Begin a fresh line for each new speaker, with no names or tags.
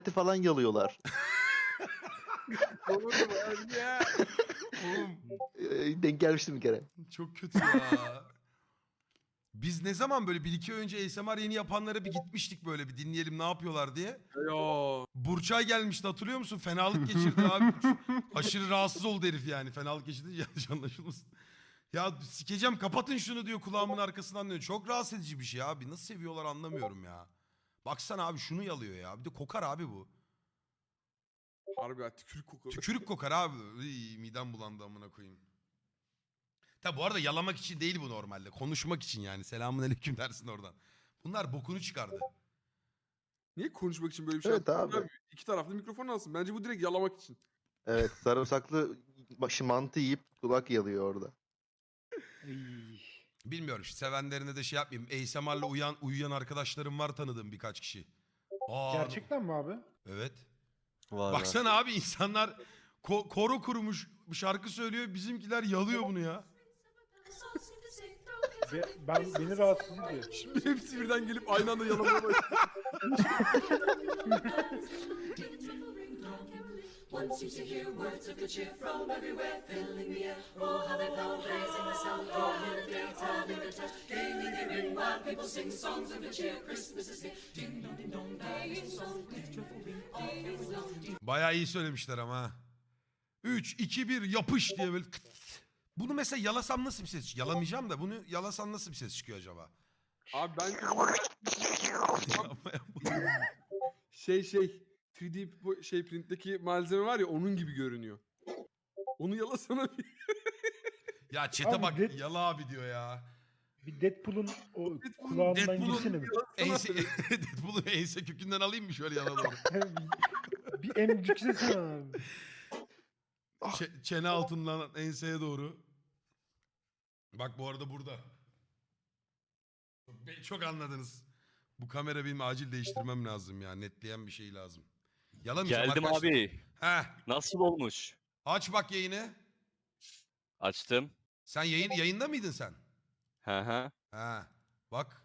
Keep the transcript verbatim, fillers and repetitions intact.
falan yalıyorlar.
Doğru abi ya.
Oğlum
Ee, Denk gelmiştim bir kere.
çok kötü ya. Biz ne zaman böyle bir iki ay önce A S M R yeni yapanlara bir gitmiştik böyle bir dinleyelim ne yapıyorlar diye.
Yo.
Burçay gelmişti hatırlıyor musun? Fenalık geçirdi abi. Aşırı rahatsız oldu herif yani. Fenalık geçirdi yanlış anlaşılmasın. Ya sikeceğim kapatın şunu diyor kulağımın arkasından diyor. Çok rahatsız edici bir şey abi. Nasıl seviyorlar anlamıyorum ya. Baksana abi şunu yalıyor ya. Bir de kokar abi bu.
Harbi ya tükürük kokuyor.
Tükürük kokar abi. Iy, midem bulandı amına koyayım. Tabi bu arada yalamak için değil bu normalde. Konuşmak için yani. Selamun aleyküm dersin oradan. Bunlar bokunu çıkardı.
Niye konuşmak için böyle bir şey
Evet
yaptın
abi.
İki taraflı mikrofon alsın. Bence bu direkt yalamak için.
Evet, sarımsaklı başı mantı yiyip kulak yalıyor orada.
Bilmiyorum işte sevenlerine de şey yapmayayım. A S M R'la uyan, uyuyan arkadaşlarım var tanıdığım birkaç kişi. Aa,
Gerçekten mi abi?
evet.
Var
Baksana abi insanlar ko- koro kurmuş şarkı söylüyor. Bizimkiler yalıyor bunu ya.
Be- ben beni rahatsız ediyor.
Şimdi hepsi birden gelip aynı anda yalamaya başlıyor.
Once used to hear words of good cheer from everywhere, filling the air. Oh, how they blow, raising the sound, all in the daytime, in the touch, gaining the ring while people sing songs of good cheer. Christmas is here, ding dong ding dong, ding song, ding triple ring, all carol bells, ding.
Bayağı iyi söylemişler ama ha. üç, iki, bir yapış diye böyle. Kıt. Bunu mesela yalasam nasıl bir ses çıkıyor? Yalamayacağım da bunu yalasam nasıl bir ses çıkıyor acaba?
Abi ben şey şey üç D bu şey printteki malzeme var ya onun gibi görünüyor. Onu yalasana bir.
Ya çete
Abi
bak
Dead-
yala abi diyor ya.
Bir Deadpool'un o
Deadpool'un-
kulağından
Deadpool'un-
girsene bir.
Ense, Deadpool'u ense kökünden alayım mı şöyle yana doğru?
bir, bir emciksesene abi.
Ç- çene altından enseye doğru. Bak bu arada burada. Çok, çok anladınız. Bu kamera benim acil değiştirmem lazım ya. Netleyen bir şey lazım. Yalamayacağım
Geldim
arkadaşlar.
abi.
Heh.
Nasıl olmuş?
Aç bak yayını.
Açtım.
Sen yayın yayında mıydın sen?
Hı hı.
Ha. Bak.